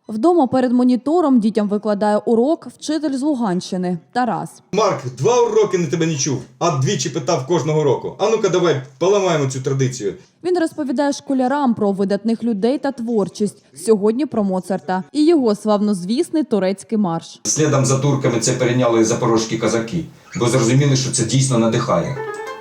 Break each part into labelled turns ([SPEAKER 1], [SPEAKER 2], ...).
[SPEAKER 1] Вдома перед монітором дітям викладає урок вчитель з Луганщини Тарас.
[SPEAKER 2] Марк, 2 уроки на тебе не чув, а двічі питав кожного року. А ну-ка давай поламаємо цю традицію.
[SPEAKER 1] Він розповідає школярам про видатних людей та творчість. Сьогодні про Моцарта і його славнозвісний турецький марш.
[SPEAKER 3] Слідом за турками це перейняли запорозькі козаки, бо зрозуміли, що це дійсно надихає.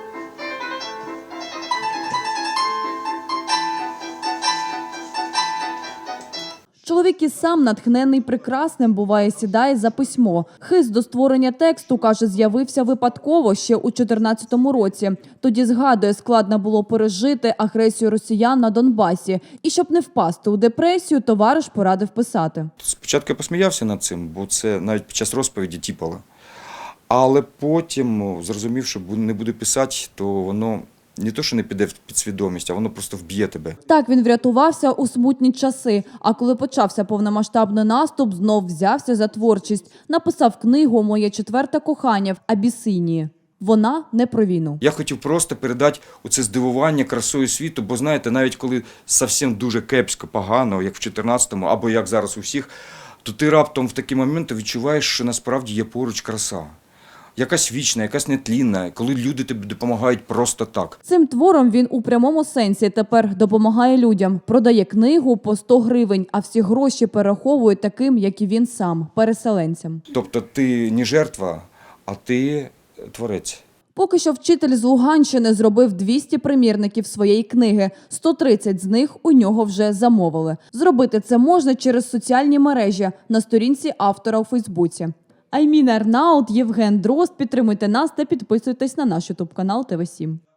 [SPEAKER 1] Чоловік і сам, натхнений прекрасним, буває, сідає за письмо. Хист до створення тексту, каже, з'явився випадково ще у 2014 році. Тоді, згадує, складно було пережити агресію росіян на Донбасі. І щоб не впасти у депресію, товариш порадив писати.
[SPEAKER 4] Спочатку я посміявся над цим, бо це навіть під час розповіді тіпало. Але потім зрозумів, що не буду писати, то воно не то, що не піде в підсвідомість, а воно просто вб'є тебе.
[SPEAKER 1] Так він врятувався у смутні часи. А коли почався повномасштабний наступ, знов взявся за творчість. Написав книгу «Моє четверте кохання» в Абісинії. Вона не про війну.
[SPEAKER 4] Я хотів просто передати оце здивування красою світу, бо знаєте, навіть коли зовсім дуже кепсько, погано, як в 14-му, або як зараз у всіх, то ти раптом в такі моменти відчуваєш, що насправді є поруч краса. Якась вічна, якась нетлінна, коли люди тобі допомагають просто так.
[SPEAKER 1] Цим твором він у прямому сенсі тепер допомагає людям. Продає книгу по 100 гривень, а всі гроші перераховує таким, як і він сам, переселенцям.
[SPEAKER 4] Тобто ти не жертва, а ти творець.
[SPEAKER 1] Поки що вчитель з Луганщини зробив 200 примірників своєї книги. 130 з них у нього вже замовили. Зробити це можна через соціальні мережі на сторінці автора у Фейсбуці. Аймін Арнаут, Євген Дрозд. Підтримуйте нас та підписуйтесь на наш ютуб-канал ТВ7.